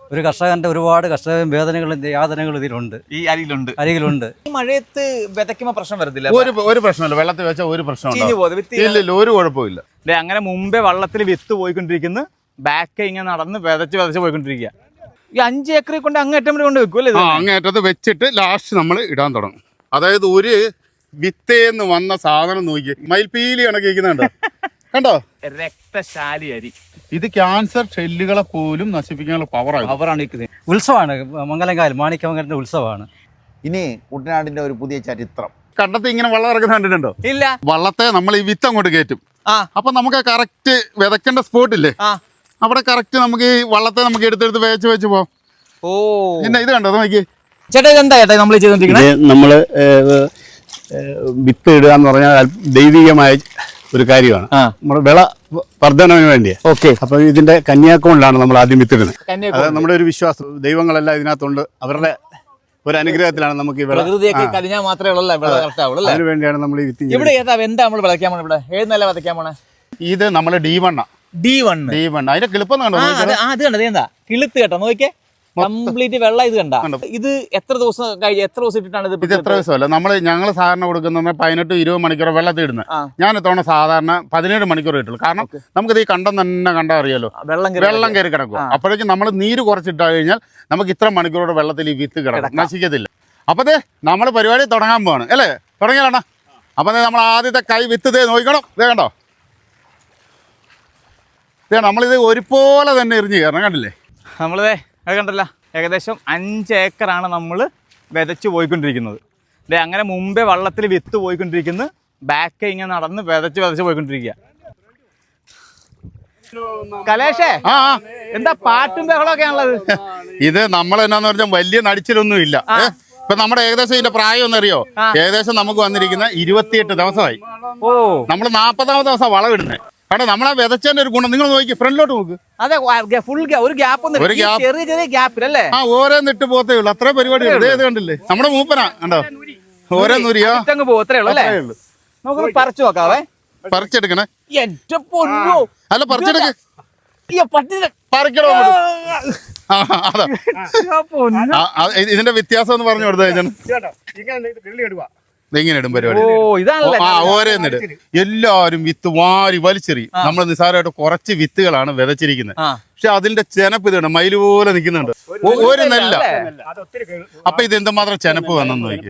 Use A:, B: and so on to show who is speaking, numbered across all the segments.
A: ഒരു കർഷകന്റെ ഒരുപാട് കർഷക വേദനകളും യാതനകളും ഇതിലുണ്ട്,
B: ഈ അരിയിലുണ്ട്.
A: ഈ
B: മഴയത്ത് വിതയ്ക്കുമ്പോ പ്രശ്നം വരത്തില്ല?
C: ഒരു പ്രശ്നമില്ല, വെള്ളത്തിൽ വെച്ചാൽ ഒരു പ്രശ്നം ഇല്ല, ഒരു കുഴപ്പമില്ല.
B: അങ്ങനെ മുമ്പേ വള്ളത്തിൽ വിത്ത് പോയിക്കൊണ്ടിരിക്കുന്നു, ബാക്ക് ഇങ്ങനെ നടന്ന് വിതച്ച് പോയിക്കൊണ്ടിരിക്കുക. ഈ 5 ഏക്കറിൽ കൊണ്ട് അങ്ങേറ്റം വരെ കൊണ്ട് വെക്കും അല്ലേ?
C: അങ്ങേറ്റത്ത് വെച്ചിട്ട് ലാസ്റ്റ് നമ്മൾ ഇടാൻ തുടങ്ങും. അതായത് ഒരു വിത്തേന്ന് വന്ന സാധനം നോക്കി മയിൽപീലി കണക്കിരിക്കുന്നുണ്ടോ, കണ്ടോ?
B: രക്തശാലി അരി.
C: ഇത് ക്യാൻസർ ഷെല്ലുകളെ പോലും നശിപ്പിക്കാനുള്ള പവറാണ്.
A: ഉത്സവമാണ്, മംഗലംകാലം മാണിക്യമംഗലത്തിന്റെ ഉത്സവമാണ്.
D: ഇനി കുട്ടനാടിന്റെ ഒരു പുതിയ ചരിത്രം.
C: കണ്ടത്ത് ഇങ്ങനെ വെള്ളം ഇറക്കുന്ന കണ്ടിട്ടുണ്ടോ?
B: ഇല്ല.
C: വള്ളത്തെ നമ്മൾ ഈ വിത്ത് അങ്ങോട്ട് കയറ്റും. അപ്പൊ നമുക്ക് കറക്റ്റ് വിതക്കേണ്ട സ്പോട്ടില്ലേ, അവിടെ കറക്റ്റ് നമുക്ക് ഈ വള്ളത്തെ നമുക്ക് എടുത്തെടുത്ത് വെച്ച് പോവാം.
B: ഓ,
C: പിന്നെ ഇത് കണ്ടോ നോക്കി
B: ചേട്ടാ, ഇതെന്താ ചേട്ടാ നമ്മൾ ചെയ്തോണ്ടിരിക്കുന്നത്?
E: നമ്മള് വിത്ത് ഇടുക എന്ന് പറഞ്ഞാൽ ദൈവികമായ ഒരു കാര്യമാണ്. നമ്മുടെ വിള വർധനവിന് വേണ്ടിയാ.
B: ഓക്കെ.
E: അപ്പൊ ഇതിന്റെ കന്യാക്കോണിലാണ് നമ്മൾ ആദ്യം വിത്തിടുന്നത്. അത് നമ്മുടെ ഒരു വിശ്വാസം, ദൈവങ്ങളെല്ലാം ഇതിനകത്തുണ്ട്, അവരുടെ ഒരു അനുഗ്രഹത്തിലാണ് നമുക്ക് ഈ വിള. അതിനു വേണ്ടിയാണ് നമ്മൾ ഈ വിത്ത്.
B: ഇവിടെ എന്താ നമ്മൾ വിളയ്ക്കാൻ പോണേ? ഇവിടെ ഏത് നില വിതയ്ക്കാൻ പോണേ?
C: ഇത് നമ്മള് D1 അതിന്റെ കിളിപ്പം കണ്ടോ?
B: അത് കണ്ടത് എന്താ കിളുത്ത് കേട്ടോ, നോക്കിയേ, കംപ്ലീറ്റ് വെള്ളം. ഇത് കണ്ട, ഇത് എത്ര ദിവസം ഇട്ടിട്ടാണ് ഇത്?
C: എത്ര ദിവസമല്ല, ഞങ്ങൾ സാധാരണ കൊടുക്കുന്ന 18-20 മണിക്കൂർ വെള്ളത്തിൽ ഇടുന്നത്. ഞാൻ ഇത്തവണ സാധാരണ 17 മണിക്കൂർ ഇട്ടുള്ളൂ. കാരണം നമുക്കിത് ഈ കണ്ടം തന്നെ കണ്ടാ അറിയാലോ, വെള്ളം കയറി കിടക്കും. അപ്പോഴേക്കും നമ്മൾ നീര് കുറച്ചിട്ട് കഴിഞ്ഞാൽ നമുക്ക് ഇത്ര മണിക്കൂറോടെ വെള്ളത്തിൽ ഈ വിത്ത് കിടക്കും, നശിക്കത്തില്ല. അപ്പൊ നമ്മൾ പരിപാടി തുടങ്ങാൻ പോവാണ് അല്ലേ? തുടങ്ങിയാലോ? അപ്പൊ നമ്മൾ ആദ്യത്തെ കൈ വിത്ത് നോക്കണം. ഇതേ കണ്ടോ, നമ്മളിത് ഒരുപോലെ തന്നെ എറിഞ്ഞ് കയറണം, കണ്ടില്ലേ?
B: നമ്മളിതേ അത് കണ്ടല്ല, ഏകദേശം 5 ഏക്കറാണ് നമ്മൾ വിതച്ച് പോയിക്കൊണ്ടിരിക്കുന്നത്. അങ്ങനെ മുമ്പേ വള്ളത്തിൽ വിത്ത് പോയിക്കൊണ്ടിരിക്കുന്നു, ബാക്ക് ഇങ്ങനെ നടന്ന് വിതച്ച് പോയിക്കൊണ്ടിരിക്കുക. കലേഷേ, എന്താ പാട്ടും ബഹളമൊക്കെ ആണുള്ളത്?
C: ഇത് നമ്മൾ എന്നാന്ന് പറഞ്ഞാൽ വലിയ നടിച്ചിലൊന്നും ഇല്ല. ഇപ്പൊ നമ്മുടെ ഏകദേശം ഇതിന്റെ പ്രായം ഒന്നറിയോ? ഏകദേശം നമുക്ക് വന്നിരിക്കുന്ന 28 ദിവസമായി.
B: ഓ,
C: നമ്മൾ 40ാമത്തെ ദിവസം വളം ഇടുന്നത്. കാരണം നമ്മളെ വിതച്ചതിന്റെ ഒരു ഗുണം നിങ്ങൾ നോക്കി, ഫ്രണ്ടിലോട്ട് നോക്ക്.
B: അതെ, ഫുൾ ഒരു ഗ്യാപ്പ്, ചെറിയ ഗ്യാപ്പിലല്ലേ?
C: ഓരോന്നിട്ട് പോത്തേ ഉള്ളു, അത്ര പരിപാടി. ഇത് കണ്ടില്ലേ, നമ്മുടെ മൂപ്പനാ കണ്ടോ, ഓരോന്നൂരിയോ
B: പോത്രേ ഉള്ളൂ അല്ലേ? നമുക്ക് പറിച്ചു നോക്കാവേ.
C: പറിച്ചെടുക്കണേ. അല്ല, പറിച്ചെടുക്ക, പറിക്കണോ? അതാ ഇതിന്റെ വ്യത്യാസം എന്ന് പറഞ്ഞു കൊടുത്തു. ഇങ്ങനെ ഇടും പരിപാടി. ഓരോന്നിട് എല്ലാവരും വിത്ത് വാരി വലിച്ചെറിയും. നമ്മൾ നിസ്സാരമായിട്ട് കുറച്ച് വിത്തുകളാണ് വിതച്ചിരിക്കുന്നത്. പക്ഷെ അതിന്റെ ചെനപ്പ് ഇതുണ്ട്, മയില് പോലെ നിൽക്കുന്നുണ്ട്. ഒരു നെല്ല. അപ്പൊ ഇത് എന്തുമാത്രം ചെനപ്പ് വന്നെന്ന് നോക്കിയേ.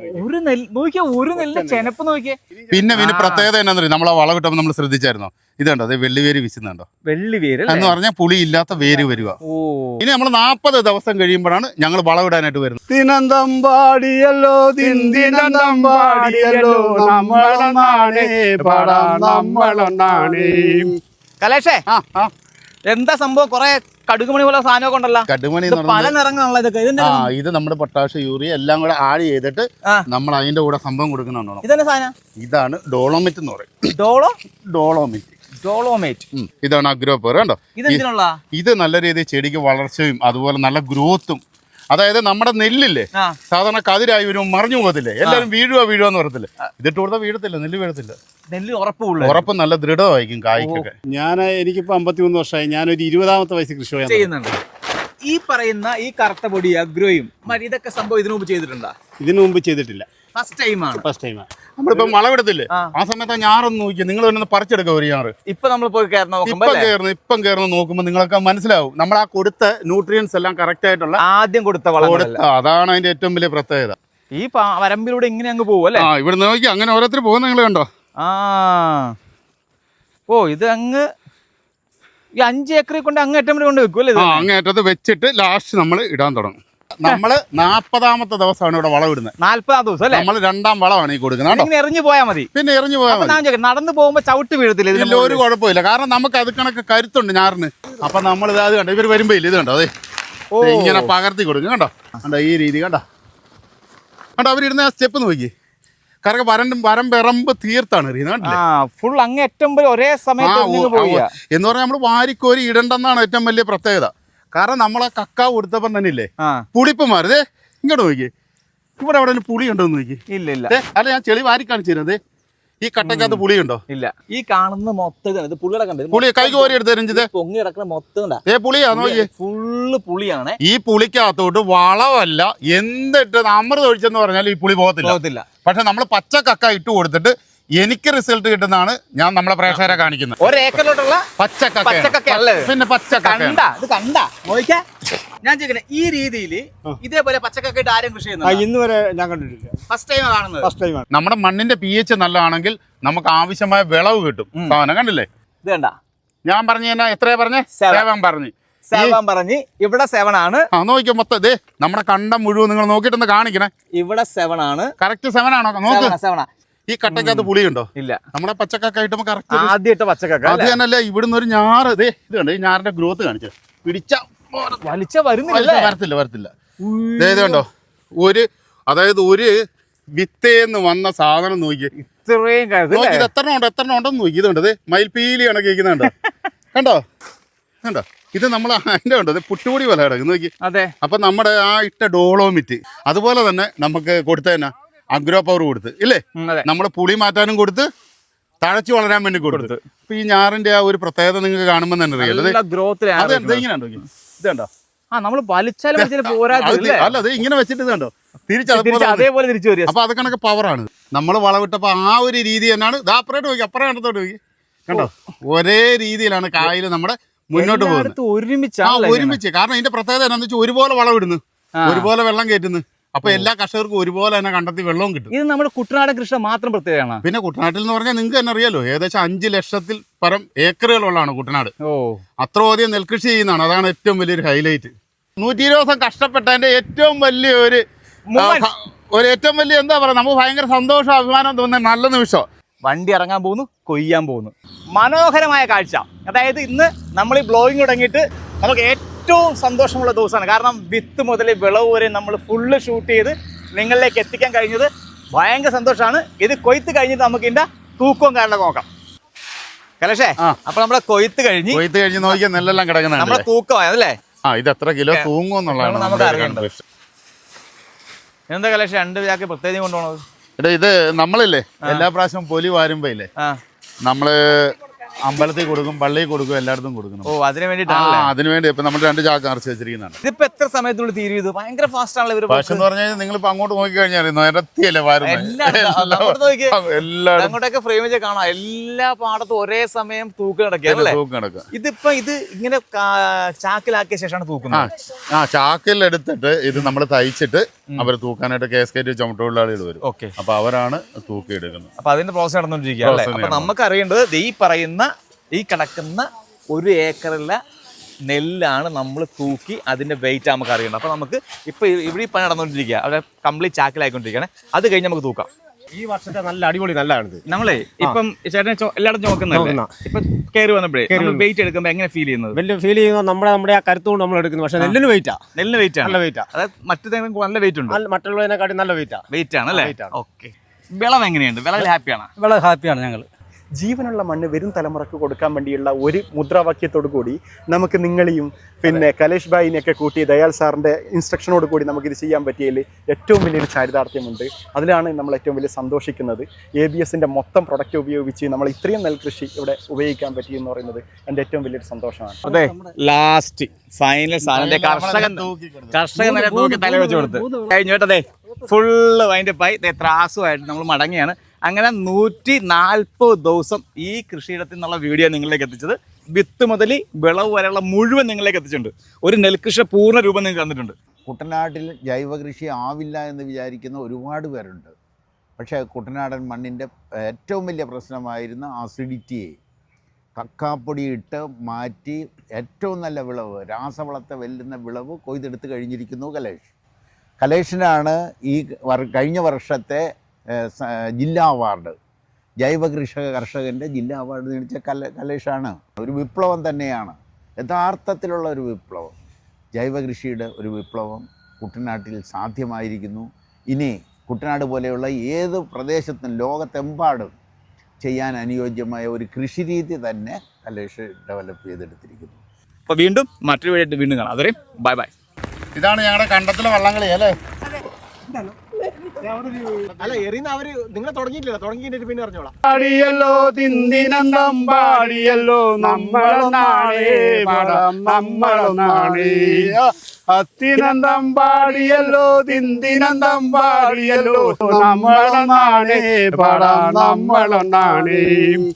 C: പിന്നെ പ്രത്യേകത എന്നാന്ന് പറയും, നമ്മളെ വളം കിട്ടുമ്പോൾ നമ്മൾ ശ്രദ്ധിച്ചായിരുന്നോ? ഇതുണ്ടോ, അത് വെള്ളിവേര് വിശുന്നുണ്ടോ?
B: വെള്ളിവേര്
C: എന്ന് പറഞ്ഞാൽ പുളി ഇല്ലാത്ത വേര് വരിക. ഇനി നമ്മൾ 40 ദിവസം കഴിയുമ്പോഴാണ് ഞങ്ങൾ വളവിടാനായിട്ട് വരുന്നത്.
E: തിനന്തമ്പാടിയല്ലോ തിന്തിനന്തമ്പാടിയല്ലോ നമ്മളൊന്നാണേ പടാം നമ്മളൊന്നാണേ.
B: കലേഷേ, എന്താ സംഭവം? കൊറേ കടുകുമണി പോലെ സാധനമൊക്കെ ഉണ്ടല്ലോ.
C: കടുകുമണി
B: പല നിറങ്ങളാണല്ലോ ഇതൊക്കെ.
C: ഇത് നമ്മുടെ പൊട്ടാഷ്, യൂറിയ എല്ലാം കൂടെ ആഡ് ചെയ്തിട്ട് നമ്മൾ അതിന്റെ കൂടെ സംഭവം കൊടുക്കുന്നുണ്ടോ?
B: ഇതെന്നെ സാധനം?
C: ഇതാണ് ഡോളോമിറ്റ് എന്ന് പറയും.
B: ഡോളോമേറ്റ്.
C: ഇതാണ് അഗ്രോപർ. കണ്ടോ, ഇത് നല്ല രീതിയിൽ ചെടിക്ക് വളർച്ചയും അതുപോലെ നല്ല ഗ്രോത്തും. അതായത് നമ്മുടെ നെല്ലില്ലേ, സാധാരണ കതിരായി വരും, മറിഞ്ഞു പോകത്തില്ലേ, എല്ലാവരും വീഴുവാന്ന് പറയത്തില്ലേ. ഇതിട്ട് കൊടുത്താൽ വീഴത്തില്ല, നെല്ല് വീഴത്തില്ല.
B: നെല്ല് ഉറപ്പ്
C: നല്ല ദൃഢമായിരിക്കും കായ്ക്കൊക്കെ.
E: എനിക്കിപ്പോ 53 വർഷമായി. ഞാനൊരു 20ാമത്തെ വയസ്സിൽ കൃഷി
B: ചെയ്യുന്നുണ്ട്. ഈ പറയുന്ന ഈ കറുത്ത പൊടി അഗ്രോയും ഇതൊക്കെ സംഭവം ഇതിനു മുമ്പ് ചെയ്തിട്ടുണ്ടോ?
E: ഇതിനു മുമ്പ് ചെയ്തിട്ടില്ല,
B: ഫസ്റ്റ് ടൈമാണ്.
C: നമ്മളിപ്പോ വളവിടത്തില്ലേ, ആ സമയത്ത് ഞാറൊന്ന് നോക്കിയാൽ നിങ്ങൾ തന്നെ പറിച്ചെടുക്കുക ഒരു ഞാറ്.
B: ഇപ്പൊ നമ്മൾ പോയി
C: ഇപ്പം കയറുന്ന നോക്കുമ്പോൾ നിങ്ങൾക്ക് മനസ്സിലാവും നമ്മൾ ആ കൊടുത്ത ന്യൂട്രിയൻസ് എല്ലാം കറക്റ്റ് ആയിട്ടുള്ള
B: ആദ്യം കൊടുത്ത വളം.
C: അതാണ് അതിന്റെ ഏറ്റവും വലിയ പ്രത്യേകത.
B: ഈ വരമ്പിലൂടെ ഇങ്ങനെ അങ്ങ് പോകും അല്ലേ?
C: ഇവിടെ നോക്കി അങ്ങനെ ഓരോരുത്തർ പോകുന്ന നിങ്ങൾ കണ്ടോ?
B: ഇത് അങ്ങ് ഈ 5 ഏക്കറിൽ കൊണ്ട് അങ്ങേറ്റം കൊണ്ട് വെക്കും അല്ലേ?
C: അങ്ങേറ്റത്ത് വെച്ചിട്ട് ലാസ്റ്റ് നമ്മൾ ഇടാൻ തുടങ്ങും. നമ്മള് 40ാമത്തെ ദിവസമാണ് ഇവിടെ വളം ഇടുന്നത്.
B: 40ാം ദിവസം അല്ലേ?
C: നമ്മൾ 2ാം വളമാണ് ഈ കൊടുക്കുന്നത്.
B: എറിഞ്ഞു പോയാൽ മതി.
C: പിന്നെ എറിഞ്ഞു പോയാൽ മതി.
B: നടന്നു പോകുമ്പോ ചവിട്ട് വീഴത്തില്ല,
C: ഒരു കുഴപ്പമില്ല. കാരണം നമുക്ക് അത് കണക്ക് കരുത്തുണ്ട് ഞാറിന്. അപ്പൊ നമ്മൾ അത് കണ്ടോ, ഇവർ വരുമ്പോ ഇല്ല, ഇത് കണ്ടോ, അതെ ഇങ്ങനെ പകർത്തി കൊടുക്കും. കണ്ടോ ഈ രീതി കണ്ടോ അവരിടുന്ന ആ സ്റ്റെപ്പ് നോക്കി. കാരണം വരമ്പ് തീർത്താണ് എറിയുന്നത്.
B: ഫുൾ അങ്ങേറ്റം ഒരേ സമയത്ത്
C: എന്ന് പറഞ്ഞാൽ നമ്മൾ വാരിക്കോരി ഇടണ്ടെന്നാണ് ഏറ്റവും വലിയ പ്രത്യേകത. കാരണം നമ്മളെ കക്കാവ് കൊടുത്തപ്പം തന്നെ ഇല്ലേ പുളിപ്പ് മാറിയതേ. ഇങ്ങോട്ട് നോക്കി, ഇവിടെ അവിടെ പുളി ഉണ്ടോന്ന് നോക്കി.
B: ഇല്ല.
C: അല്ല, ഞാൻ ചെളി വാരി കാണിച്ചു തരുന്നത്. ഈ കട്ടയ്ക്കകത്ത് പുളിയുണ്ടോ?
B: ഇല്ല. ഈ കാണുന്ന മൊത്തം ഇത് പുളിയുടെ കണ്ടത്
C: പുളി കൈ കോരി എടുത്ത് രഞ്ജിത്.
B: പൊങ്ങി കിടക്കുന്ന മൊത്തം
C: പുളിയാ നോക്കിയേ.
B: ഫുള്ള് പുളിയാണ്.
C: ഈ പുളിക്കകത്തോട്ട് വളമല്ല എന്തിട്ട് അമൃത് ഒഴിച്ചെന്ന് പറഞ്ഞാൽ ഈ പുളി പോകത്തില്ല. പക്ഷെ നമ്മൾ പച്ചക്കക്ക ഇട്ട് കൊടുത്തിട്ട് എനിക്ക് റിസൾട്ട് കിട്ടുന്നതാണ് ഞാൻ നമ്മളെ പ്രേക്ഷകരെ കാണിക്കുന്നത്.
B: ഒരേക്കറിലോട്ടുള്ള
C: പച്ചക്കക്ക പിന്നെ പച്ചക്കക്ക
B: ഞാൻ ചോദിക്കണേ, ഈ രീതിയിൽ ഇതേപോലെ പച്ചക്കക്ക ഇട്ട് ആരും കൃഷി ചെയ്യുന്നത്
F: ഇന്ന് വരെ ഞാൻ കണ്ടിട്ടില്ല.
B: ഫസ്റ്റ് ടൈം കാണുന്നത്.
F: ഫസ്റ്റ് ടൈമാണ്.
C: നമ്മുടെ മണ്ണിന്റെ pH നല്ലതാണെങ്കിൽ നമുക്ക് ആവശ്യമായ വിളവ് കിട്ടും. സാധനം കണ്ടില്ലേ?
B: ഇത് കണ്ട
C: ഞാൻ പറഞ്ഞു തന്നെ എത്രയാ പറഞ്ഞേ? 7 പറഞ്ഞു.
B: 7 പറഞ്ഞ് ഇവിടെ 7 ആണ്.
C: നോക്കിയോ മൊത്തം ഇതേ നമ്മുടെ കണ്ടം മുഴുവൻ നിങ്ങൾ നോക്കിയിട്ടൊന്ന് കാണിക്കണേ.
B: ഇവിടെ 7 ആണ്.
C: കറക്റ്റ് 7 ആണോ? നോക്ക്.
B: 7.
C: ഈ കട്ടയ്ക്കകത്ത് പുളിയുണ്ടോ?
B: ഇല്ല.
C: നമ്മുടെ പച്ചക്കക്ക ആയിട്ട് കറക്റ്റ്
B: ആദ്യമായിട്ട് പച്ചക്കക്ക
C: അത് തന്നെയല്ലേ. ഇവിടുന്ന് ഒരു ഞാറ് ഇതേ ഇത് കണ്ടോ, ഈ ഞാറിന്റെ ഗ്രോത്ത് കാണിച്ചു പിടിച്ച വരത്തില്ല. ഇത് കണ്ടോ, അതായത് ഒരു വിത്തേന്ന് വന്ന സാധനം നോക്കി
B: ഇത്രയും
C: ഇത് എത്ര ഉണ്ടെന്ന് നോക്കി. ഇതുണ്ട് ഇത് മയിൽപ്പീലി കണക്ക് ഇരിക്കുന്നുണ്ടോ? കണ്ടോ ഇത് നമ്മൾ അതിന്റെ ഉണ്ടോ പുട്ടുപൊടി പോലെ കിടക്കും നോക്കി.
B: അതെ.
C: അപ്പൊ നമ്മുടെ ആ ഇട്ട ഡോളോമിറ്റ് അതുപോലെ തന്നെ നമുക്ക് കൊടുത്ത തന്നെ അഗ്രോ പവർ കൊടുത്ത് ഇല്ലേ, നമ്മൾ പുളി മാറ്റാനും കൊടുത്ത് തഴച്ചു വളരാൻ വേണ്ടി കൊടുത്ത്. ഇപ്പൊ ഈ ഞാറിന്റെ ആ ഒരു പ്രത്യേകത നിങ്ങൾക്ക് കാണുമ്പോൾ തന്നെ അറിയാലോ. അത് ഇങ്ങനെ ഉണ്ടോ? ഇതുണ്ടോ?
B: നമ്മൾ വലിച്ചാലും
C: അല്ല അത് ഇങ്ങനെ വെച്ചിട്ട് ഇതുണ്ടോ
B: അതേപോലെ തിരിച്ചു വരും.
C: അപ്പൊ അത് കണക്ക് പവറാണ്. നമ്മൾ വളവിട്ടപ്പോ ആ ഒരു രീതി തന്നെയാണ്. അപ്പുറത്തോട്ട് നോക്കി, അപ്പുറം കണ്ടത്തോട്ട് നോക്കി. കണ്ടോ, ഒരേ രീതിയിലാണ് കായൽ നമ്മുടെ മുന്നോട്ട് പോകുന്നത്. ഒരുമിച്ച്. കാരണം ഇതിന്റെ പ്രത്യേകത എന്താണെന്ന് വെച്ചാൽ ഒരുപോലെ വളവിടുന്നു, ഒരുപോലെ വെള്ളം കയറ്റുന്നു. അപ്പൊ എല്ലാ കർഷകർക്കും ഒരുപോലെ തന്നെ കണ്ടെത്തി വെള്ളവും കിട്ടും.
B: ഇത് നമ്മുടെ കുട്ടനാടൻ കൃഷി മാത്രം പ്രത്യേകമാണ്.
C: പിന്നെ കുട്ടനാട്ടിൽ എന്ന് പറഞ്ഞാൽ നിങ്ങൾക്ക് തന്നെ അറിയാലോ, ഏകദേശം 5 ലക്ഷത്തിൽ പരം ഏക്കറുകളുള്ളതാണ് കുട്ടനാട്. അത്രയധികം നെൽകൃഷി ചെയ്യുന്നതാണ്. അതാണ് ഏറ്റവും വലിയൊരു ഹൈലൈറ്റ്. 120 ദിവസം കഷ്ടപ്പെട്ടതിന്റെ ഏറ്റവും വലിയ ഏറ്റവും വലിയ എന്താ പറയുക, നമുക്ക് ഭയങ്കര സന്തോഷം അഭിമാനം തോന്നുന്ന നല്ല നിമിഷം.
B: വണ്ടി ഇറങ്ങാൻ പോകുന്നു, കൊയ്യാൻ പോകുന്നു. മനോഹരമായ കാഴ്ച. അതായത് ഇന്ന് നമ്മൾ ഈ ബ്ലോഗിങ് തുടങ്ങിയിട്ട് നമുക്ക് ഏറ്റവും സന്തോഷമുള്ള ദിവസമാണ്. കാരണം വിത്ത് മുതൽ വിളവ് വരെ നമ്മൾ ഫുള്ള് ഷൂട്ട് ചെയ്ത് നിങ്ങളിലേക്ക് എത്തിക്കാൻ കഴിഞ്ഞത് ഭയങ്കര സന്തോഷമാണ്. ഇത് കൊയ്ത്ത് കഴിഞ്ഞിട്ട് നമുക്ക് ഇതിന്റെ തൂക്കവും കാര്യങ്ങളൊക്കെ നോക്കാം. കലേഷേ, അപ്പൊ നമ്മളെ കൊയ്ത്ത് കഴിഞ്ഞ്
C: നോക്കിയാൽ നെല്ലെല്ലാം കിടക്കുന്നുണ്ട്.
B: നമ്മളെ തൂക്കമായതല്ലേ?
C: ഇത് എത്ര കിലോ തൂങ്ങും എന്നുള്ളതാണ്
B: നമുക്ക് അറിയേണ്ടത്. എന്താ കലേഷ് 2 ചാക്ക് പ്രത്യേകം കൊണ്ടുപോകണത്?
C: ഇത് നമ്മളില്ലേ എല്ലാ പ്രാവശ്യവും പൊലി വാരുമ്പോ ഇല്ലേ നമ്മള് അമ്പലത്തിൽ കൊടുക്കും, പള്ളിയിൽ കൊടുക്കും, എല്ലായിടത്തും കൊടുക്കണം.
B: അതിന് വേണ്ടിട്ടാണ്.
C: അതിനുവേണ്ടി ഇപ്പൊ നമ്മൾ 2 ചാക്ക് നിറച്ച് വെച്ചിരിക്കുന്നതാണ്.
B: ഇതിപ്പോ എത്ര സമയത്തുള്ളിൽ തീരും? ഇത് ഭയങ്കര ഫാസ്റ്റ് ആണല്ലോ ഇവര്.
C: പക്ഷെ എന്ന് പറഞ്ഞാൽ നിങ്ങളിപ്പോ അങ്ങോട്ട് നോക്കി കഴിഞ്ഞാൽ നിരത്തിയല്ലേ
B: അങ്ങോട്ടൊക്കെ ഫ്രെയിം വെച്ച് കാണാം. എല്ലാ പാടത്തും ഒരേ സമയം തൂക്ക് നടക്കുക. ഇതിപ്പോ ഇത് ഇങ്ങനെ ചാക്കിലാക്കിയ ശേഷമാണ് തൂക്കുന്നത്.
C: ചാക്കിലെടുത്തിട്ട് ഇത് നമ്മൾ തയ്ച്ചിട്ട് അവർ തൂക്കാനായിട്ട് കേസ്കേറ്റ് ചുമട്ടുകൊള്ളാളികൾ വരും. അപ്പൊ അവരാണ് തൂക്കി എടുക്കുന്നത്.
B: അപ്പൊ അതിന്റെ പ്രോസസ് നടന്നുകൊണ്ടിരിക്കുക. അപ്പൊ നമുക്ക് അറിയേണ്ടത് ഈ പറയുന്ന ഈ കിടക്കുന്ന 1 ഏക്കറിലെ നെല്ലാണ് നമ്മൾ തൂക്കി അതിന്റെ വെയിറ്റ് നമുക്ക് അറിയണം. അപ്പൊ നമുക്ക് ഇപ്പൊ ഇവിടെ ഈ പണി നടന്നുകൊണ്ടിരിക്കുക. അവിടെ കംപ്ലീറ്റ് ചാക്കിലായിക്കൊണ്ടിരിക്കുകയാണ്. അത് കഴിഞ്ഞ് നമുക്ക് തൂക്കാം.
F: ഈ വർഷത്തെ നല്ല അടിപൊളി നല്ലതാണ്.
B: നമ്മളെ ഇപ്പം ചേട്ടനെ എല്ലായിടത്തും നോക്കുന്നല്ലേ, ഇപ്പൊ കയറി വന്നപ്പോഴേ വെയിറ്റ് എടുക്കുമ്പോ എങ്ങനെ ഫീൽ ചെയ്യുന്നത്?
F: വലിയ ഫീൽ ചെയ്യുന്നത് നമ്മുടെ ആ കരുത്തുകൊണ്ട് നമ്മൾ എടുക്കുന്നത്. പക്ഷെ നെല്ലിന് വെയിറ്റാ.
B: നെല്ലിന് വെയിറ്റ് ആണ്.
F: നല്ല വെയിറ്റാ.
B: അതായത് മറ്റേതെങ്കിലും നല്ല വെയിറ്റ് ഉണ്ട്.
F: മറ്റുള്ളതിനെക്കാട്ടി നല്ല വെയിറ്റാ.
B: വെയിറ്റ് ആണ് അല്ലേ? ഓക്കെ. വിളവ് എങ്ങനെയുണ്ട്? വിളവിൽ ഹാപ്പിയാണ്?
A: വളരെ ഹാപ്പിയാണ് ഞങ്ങൾ.
G: ജീവനുള്ള മണ്ണ് വരും തലമുറക്ക് കൊടുക്കാൻ വേണ്ടിയുള്ള ഒരു മുദ്രാവാക്യത്തോടു കൂടി നമുക്ക് നിങ്ങളെയും പിന്നെ കലേഷ് ഭായിനെയൊക്കെ കൂട്ടി ദയാൽ സാറിൻ്റെ ഇൻസ്ട്രക്ഷനോട് കൂടി നമുക്കിത് ചെയ്യാൻ പറ്റിയതിൽ ഏറ്റവും വലിയൊരു ചാരിതാർത്ഥ്യമുണ്ട്. അതിലാണ് നമ്മൾ ഏറ്റവും വലിയ സന്തോഷിക്കുന്നത്. ABSൻ്റെ മൊത്തം പ്രൊഡക്റ്റ് ഉപയോഗിച്ച് നമ്മൾ ഇത്രയും നെൽകൃഷി ഇവിടെ ഉപയോഗിക്കാൻ പറ്റിയെന്ന് പറയുന്നത് എൻ്റെ ഏറ്റവും വലിയൊരു സന്തോഷമാണ്.
B: അതെ, ലാസ്റ്റ് ഫൈനൽ സാധനം കർഷകൻ തൂക്കി തല വെച്ച് കൊടുത്ത് കഴിഞ്ഞോട്ടതേ ഫുള്ള് അതിൻ്റെ പൈ ത്രാസുമായിട്ട് നമ്മൾ മടങ്ങിയാണ്. അങ്ങനെ 140 ദിവസം ഈ കൃഷിയിടത്തിൽ നിന്നുള്ള വീഡിയോ നിങ്ങളിലേക്ക് എത്തിച്ചത്. വിത്ത് മുതൽ വിളവ് വരെയുള്ള മുഴുവൻ നിങ്ങളിലേക്ക് എത്തിച്ചിട്ടുണ്ട്. ഒരു നെൽകൃഷി പൂർണ്ണ രൂപം നിങ്ങൾക്ക് തന്നിട്ടുണ്ട്.
D: കുട്ടനാട്ടിൽ ജൈവ കൃഷി ആവില്ല എന്ന് വിചാരിക്കുന്ന ഒരുപാട് പേരുണ്ട്. പക്ഷേ കുട്ടനാടൻ മണ്ണിൻ്റെ ഏറ്റവും വലിയ പ്രശ്നമായിരുന്ന അസിഡിറ്റിയെ കക്കാപ്പൊടി ഇട്ട് മാറ്റി ഏറ്റവും നല്ല വിളവ്, രാസവളത്തെ വെല്ലുന്ന വിളവ് കൊയ്തെടുത്ത് കഴിഞ്ഞിരിക്കുന്നു കലേഷിനാണ് ഈ കഴിഞ്ഞ വർഷത്തെ ജില്ലാ അവാർഡ്, ജൈവ കർഷകൻ്റെ ജില്ലാ അവാർഡ് നേടിച്ച കലേഷാണ്. ഒരു വിപ്ലവം തന്നെയാണ്, യഥാർത്ഥത്തിലുള്ള ഒരു വിപ്ലവം, ജൈവ കൃഷിയുടെ ഒരു വിപ്ലവം കുട്ടനാട്ടിൽ സാധ്യമായിരിക്കുന്നു. ഇനി കുട്ടനാട് പോലെയുള്ള ഏത് പ്രദേശത്തും ലോകത്തെമ്പാടും ചെയ്യാൻ അനുയോജ്യമായ ഒരു കൃഷിരീതി തന്നെ കലേഷ് ഡെവലപ്പ് ചെയ്തെടുത്തിരിക്കുന്നു.
B: അപ്പോൾ വീണ്ടും മറ്റൊരു വീഡിയോ വീണ്ടും കാണാം. അതുവരെ ബൈ ബൈ.
C: ഇതാണ് ഞങ്ങളുടെ കണ്ടത്തിലെ വള്ളംകളി അല്ലേ?
F: അല്ല എറിയുന്ന അവര് നിങ്ങളെ തുടങ്ങിയിട്ടില്ല, തുടങ്ങിയിട്ട് പിന്നെ അറിഞ്ഞോളാം.
E: പാടിയല്ലോ തിന്തിനന്തം പാടിയല്ലോ നമ്മളൊന്നാണേ പടം നമ്മളൊന്നാണേ അത്തിനന്തം പാടിയല്ലോ തിന്തിനന്തം പാടിയല്ലോ നമ്മളൊന്നാണേ പടം നമ്മളൊന്നാണേ